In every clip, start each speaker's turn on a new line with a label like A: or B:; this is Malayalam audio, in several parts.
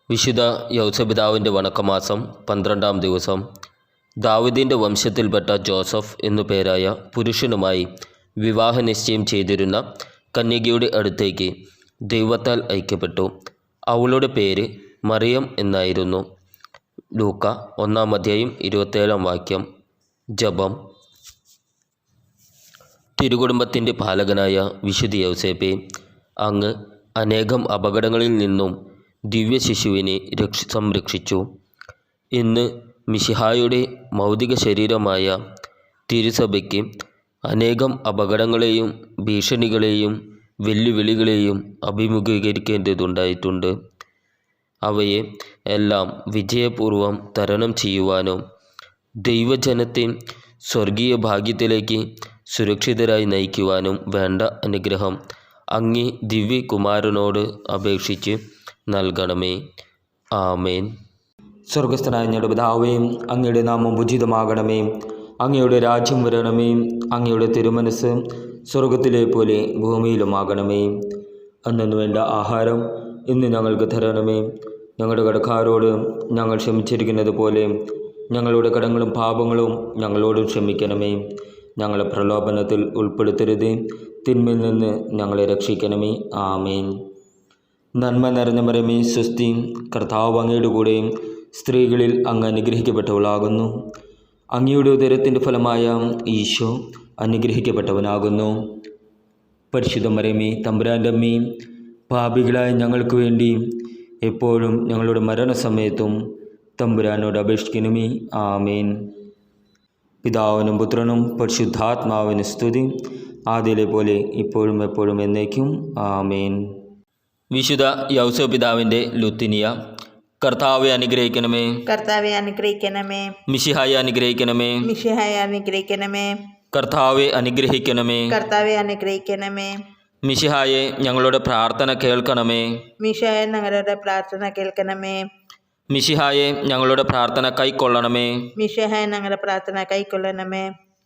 A: വിശുദ്ധ യൗസപിതാവിൻ്റെ വണക്കമാസം 12-ാം ദിവസം ദാവീദിൻ്റെ വംശത്തിൽപ്പെട്ട ജോസഫ് എന്നു പേരായ പുരുഷനുമായി വിവാഹനിശ്ചയം ചെയ്തിരുന്ന കന്യകയുടെ അടുത്തേക്ക് ദൈവത്താൽ അയക്കപ്പെട്ടു. അവളുടെ പേര് മറിയം എന്നായിരുന്നു. ലൂക്ക 1-ാം അധ്യായം 27-ാം വാക്യം. ജപം. തിരുകുടുംബത്തിൻ്റെ പാലകനായ വിശുദ്ധ യൗസേപ്പേ, അങ്ങ് അനേകം അപകടങ്ങളിൽ നിന്നും ദിവ്യശിശുവിനെ സംരക്ഷിച്ചു. ഇന്ന് മിശിഹായുടെ ഭൗതിക ശരീരമായ തിരുസഭയ്ക്ക് അനേകം അപകടങ്ങളെയും ഭീഷണികളെയും വെല്ലുവിളികളെയും അഭിമുഖീകരിക്കേണ്ടതുണ്ടായിട്ടുണ്ട്. അവയെ എല്ലാം വിജയപൂർവം തരണം ചെയ്യുവാനോ ദൈവജനത്തെ സ്വർഗീയ ഭാഗ്യത്തിലേക്ക് സുരക്ഷിതരായി നയിക്കുവാനും വേണ്ട അനുഗ്രഹം അങ്ങേ ദിവ്യകുമാരനോട് അപേക്ഷിച്ച് നൽകണമേ. ആമേൻ.
B: സ്വർഗസ്ഥനായ ഞങ്ങളുടെ പിതാവേ, അങ്ങയുടെ നാമം ഉചിതമാകണമേ. അങ്ങയുടെ രാജ്യം വരണമേ. അങ്ങയുടെ തിരുമനസ് സ്വർഗത്തിലെ പോലെ ഭൂമിയിലുമാകണമേ. അന്നു വേണ്ട ആഹാരം ഇന്ന് ഞങ്ങൾക്ക് തരണമേ. ഞങ്ങളുടെ കടക്കാരോട് ഞങ്ങൾ ക്ഷമിച്ചിരിക്കുന്നത് പോലെ ഞങ്ങളുടെ കടങ്ങളും പാപങ്ങളും ഞങ്ങളോട് ക്ഷമിക്കണമേ. ഞങ്ങളെ പ്രലോഭനത്തിൽ ഉൾപ്പെടുത്തരുത്, തിന്മയിൽ നിന്ന് ഞങ്ങളെ രക്ഷിക്കണമേ. ആമേൻ. നന്മ നിറഞ്ഞ മറിയമേ, സ്വസ്തി, കർത്താവ് അങ്ങയുടെ കൂടെ സ്ത്രീകളിൽ അങ്ങ് അനുഗ്രഹിക്കപ്പെട്ടവളാകുന്നു. അങ്ങയുടെ ഉദരത്തിൻ്റെ ഫലമായ ഈശോ അനുഗ്രഹിക്കപ്പെട്ടവനാകുന്നു. പരിശുദ്ധ മറിയമേ, തമ്പുരാൻ്റെ അമ്മേ, പാപികളായ ഞങ്ങൾക്ക് വേണ്ടി എപ്പോഴും ഞങ്ങളുടെ മരണസമയത്തും തമ്പുരാനോട് അപേക്ഷിക്കണമേ. ആമേൻ. പിതാവിനും പുത്രനും പരിശുദ്ധാത്മാവിന് സ്തുതി, ആദിയിലെ പോലെ ഇപ്പോഴും എപ്പോഴും എന്നേക്കും. ആമേൻ.
A: വിശുദ്ധ യൗസപിതാവിൻ്റെ ലുത്തിനിയ. കർത്താവെ അനുഗ്രഹിക്കണമേ.
C: കർത്താവെ അനുഗ്രഹിക്കണമേ.
A: മിശിഹായെ അനുഗ്രഹിക്കണമേ.
C: മിശിഹായെ അനുഗ്രഹിക്കണമേ.
A: കർത്താവെ അനുഗ്രഹിക്കണമേ.
C: കർത്താവെ അനുഗ്രഹിക്കണമേ.
A: മിശിഹായെ ഞങ്ങളുടെ പ്രാർത്ഥന കേൾക്കണമേ.
C: മിശിഹായെ ഞങ്ങളുടെ പ്രാർത്ഥന കേൾക്കണമേ.
A: മിശിഹായെ ഞങ്ങളുടെ പ്രാർത്ഥന കൈക്കൊള്ളണമേ.
C: മിശിഹായെ ഞങ്ങളുടെ പ്രാർത്ഥന കൈക്കൊള്ളണമേ.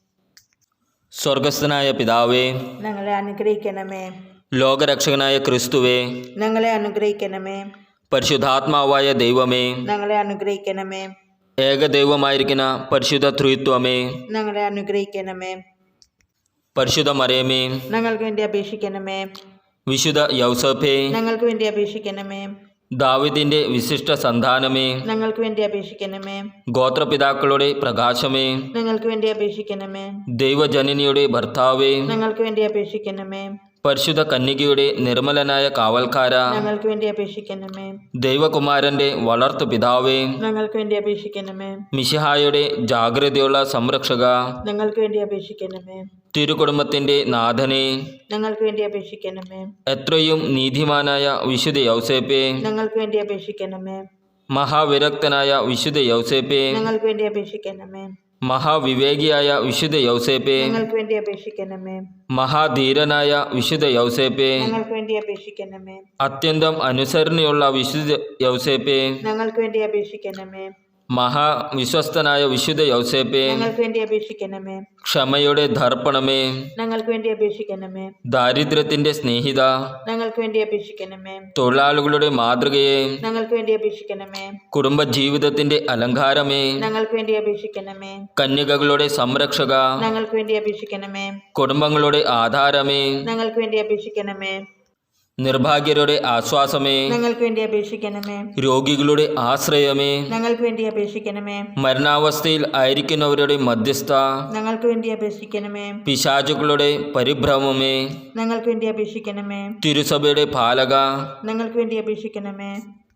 A: സ്വർഗസ്ഥനായ പിതാവേ,
C: ഞങ്ങളെ അനുഗ്രഹിക്കണമേ.
A: ലോകരക്ഷകനായ ക്രിസ്തുവേ,
C: ഞങ്ങളെ അനുഗ്രഹിക്കണമേ.
A: പരിശുദ്ധാത്മാവായ ദൈവമേ,
C: ഞങ്ങളെ അനുഗ്രഹിക്കണമേ.
A: ഏകദൈവമായിരിക്കുന്ന പരിശുദ്ധ ത്രിത്വമേ,
C: ഞങ്ങളെ അനുഗ്രഹിക്കണമേ.
A: പരിശുദ്ധ മറിയമേ,
C: ഞങ്ങൾക്ക് വേണ്ടി അപേക്ഷിക്കണമേ.
A: വിശുദ്ധ യൗസേപ്പേ,
C: ഞങ്ങൾക്ക് വേണ്ടി അപേക്ഷിക്കണമേ.
A: ദാവീദിന്റെ വിശിഷ്ട സന്താനമേ,
C: ഞങ്ങൾക്ക് വേണ്ടി അപേക്ഷിക്കണമേ.
A: ഗോത്രപിതാക്കളുടെ പ്രകാശമേ,
C: ഞങ്ങൾക്ക് വേണ്ടി അപേക്ഷിക്കണമേ.
A: ദൈവജനനിയുടെ ഭർത്താവേ,
C: ഞങ്ങൾക്ക് വേണ്ടി അപേക്ഷിക്കണമേ.
A: പരിശുദ്ധ കന്യകയുടെ നിർമ്മലനായ കാവൽക്കാര,
C: ഞങ്ങൾക്ക് വേണ്ടി അപേക്ഷിക്കണമേ.
A: ദൈവകുമാരന്റെ വളർത്തു പിതാവേ,
C: ഞങ്ങൾക്ക് വേണ്ടി അപേക്ഷിക്കണമേ.
A: മിശിഹായുടെ ജാഗ്രതയുള്ള സംരക്ഷക,
C: ഞങ്ങൾക്ക് വേണ്ടി അപേക്ഷിക്കണമേ.
A: തിരുകുടുംബത്തിന്റെ നാഥനെ,
C: ഞങ്ങൾക്ക് വേണ്ടി അപേക്ഷിക്കണമേ.
A: എത്രയും നീതിമാനായ വിശുദ്ധ യൗസേപ്പേ,
C: ഞങ്ങൾക്ക് വേണ്ടി അപേക്ഷിക്കണമേ.
A: മഹാവിരക്തനായ വിശുദ്ധ യൗസേപ്പേ,
C: ഞങ്ങൾക്ക് വേണ്ടി അപേക്ഷിക്കണമേ.
A: മഹാവിവേകിയായ വിശുദ്ധ യൗസേപ്പേ,
C: ഞങ്ങൾക്ക് വേണ്ടി അപേക്ഷിക്കണമേ.
A: മഹാധീരനായ വിശുദ്ധ യൗസേപ്പേ,
C: ഞങ്ങൾക്ക് വേണ്ടി അപേക്ഷിക്കണമേ.
A: അത്യന്തം അനുസരണയുള്ള വിശുദ്ധ യൗസേപ്പേ,
C: ഞങ്ങൾക്ക് വേണ്ടി അപേക്ഷിക്കണമേ.
A: മഹാവിശ്വസ്തനായ വിശുദ്ധ യൗസേപ്പേ,
C: ഞങ്ങൾക്ക് വേണ്ടി അപേക്ഷിക്കണമേ.
A: ക്ഷമയുടെ ദർപ്പണമേ,
C: ഞങ്ങൾക്ക് വേണ്ടി അപേക്ഷിക്കണമേ.
A: ദാരിദ്ര്യത്തിന്റെ സ്നേഹിത,
C: ഞങ്ങൾക്ക് വേണ്ടി അപേക്ഷിക്കണമേ.
A: തൊഴിലാളികളുടെ മാതൃകയെ,
C: ഞങ്ങൾക്ക് വേണ്ടി അപേക്ഷിക്കണമേ.
A: കുടുംബജീവിതത്തിന്റെ അലങ്കാരമേ,
C: ഞങ്ങൾക്ക് വേണ്ടി അപേക്ഷിക്കണമേ.
A: കന്യകകളുടെ സംരക്ഷക,
C: ഞങ്ങൾക്ക് വേണ്ടി അപേക്ഷിക്കണമേ.
A: കുടുംബങ്ങളുടെ ആധാരമേ,
C: ഞങ്ങൾക്ക് വേണ്ടി അപേക്ഷിക്കണമേ.
A: നിർഭാഗ്യരുടെ ആശ്വാസമേ,
C: ഞങ്ങൾക്ക് വേണ്ടി അപേക്ഷിക്കണമേ.
A: രോഗികളുടെ ആശ്രയമേ,
C: ഞങ്ങൾക്ക് വേണ്ടി അപേക്ഷിക്കണമേ.
A: മരണാവസ്ഥയിൽ ആയിരിക്കുന്നവരുടെ മധ്യസ്ഥ,
C: ഞങ്ങൾക്ക് വേണ്ടി അപേക്ഷിക്കണമേ.
A: പിശാചുക്കളുടെ പരിഭ്രമമേ,
C: ഞങ്ങൾക്ക് വേണ്ടി അപേക്ഷിക്കണമേ.
A: തിരുസഭയുടെ പാലക,
C: ഞങ്ങൾക്ക് വേണ്ടി അപേക്ഷിക്കണമേ.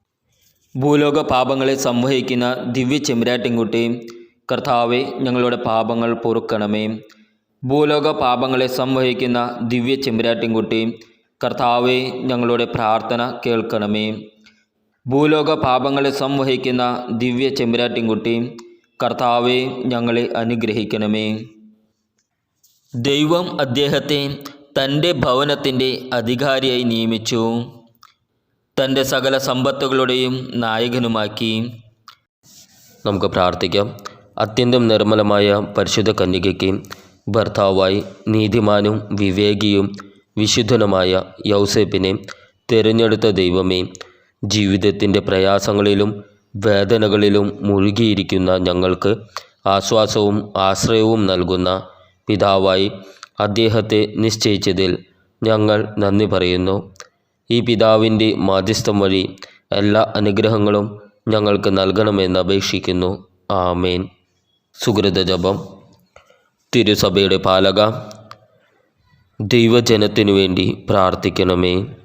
A: ഭൂലോക പാപങ്ങളെ സംവഹിക്കുന്ന ദിവ്യ ചെമ്പരാട്ടിൻകുട്ടി, കർത്താവെ ഞങ്ങളുടെ പാപങ്ങൾ പൊറുക്കണമേ. ഭൂലോക പാപങ്ങളെ സംവഹിക്കുന്ന ദിവ്യ ചെമ്പരാട്ടിൻകുട്ടി, കർത്താവെ ഞങ്ങളുടെ പ്രാർത്ഥന കേൾക്കണമേ. ഭൂലോക പാപങ്ങളെ സംവഹിക്കുന്ന ദിവ്യ ചെമ്പരാട്ടിൻകുട്ടി, കർത്താവെ ഞങ്ങളെ അനുഗ്രഹിക്കണമേ. ദൈവം അദ്ദേഹത്തെ തൻ്റെ ഭവനത്തിൻ്റെ അധികാരിയായി നിയമിച്ചു, തൻ്റെ സകല സമ്പത്തുകളുടെയും നായകനുമാക്കി. നമുക്ക് പ്രാർത്ഥിക്കാം. അത്യന്തം നിർമ്മലമായ പരിശുദ്ധ കന്യകയ്ക്ക് ഭർത്താവായി നീതിമാനും വിവേകിയും വിശുദ്ധനുമായ യൗസേപ്പിനെ തിരഞ്ഞെടുത്ത ദൈവമേ, ജീവിതത്തിൻ്റെ പ്രയാസങ്ങളിലും വേദനകളിലും മുഴുകിയിരിക്കുന്ന ഞങ്ങൾക്ക് ആശ്വാസവും ആശ്രയവും നൽകുന്ന പിതാവായി അദ്ദേഹത്തെ നിശ്ചയിച്ചതിൽ ഞങ്ങൾ നന്ദി പറയുന്നു. ഈ പിതാവിൻ്റെ മാധ്യസ്ഥം വഴി എല്ലാ അനുഗ്രഹങ്ങളും ഞങ്ങൾക്ക് നൽകണമെന്ന് അപേക്ഷിക്കുന്നു. ആമേൻ. സുകൃത ജപം. തിരുസഭയുടെ പാലക, ദൈവജനത്തിനു വേണ്ടി പ്രാർത്ഥിക്കണമേ.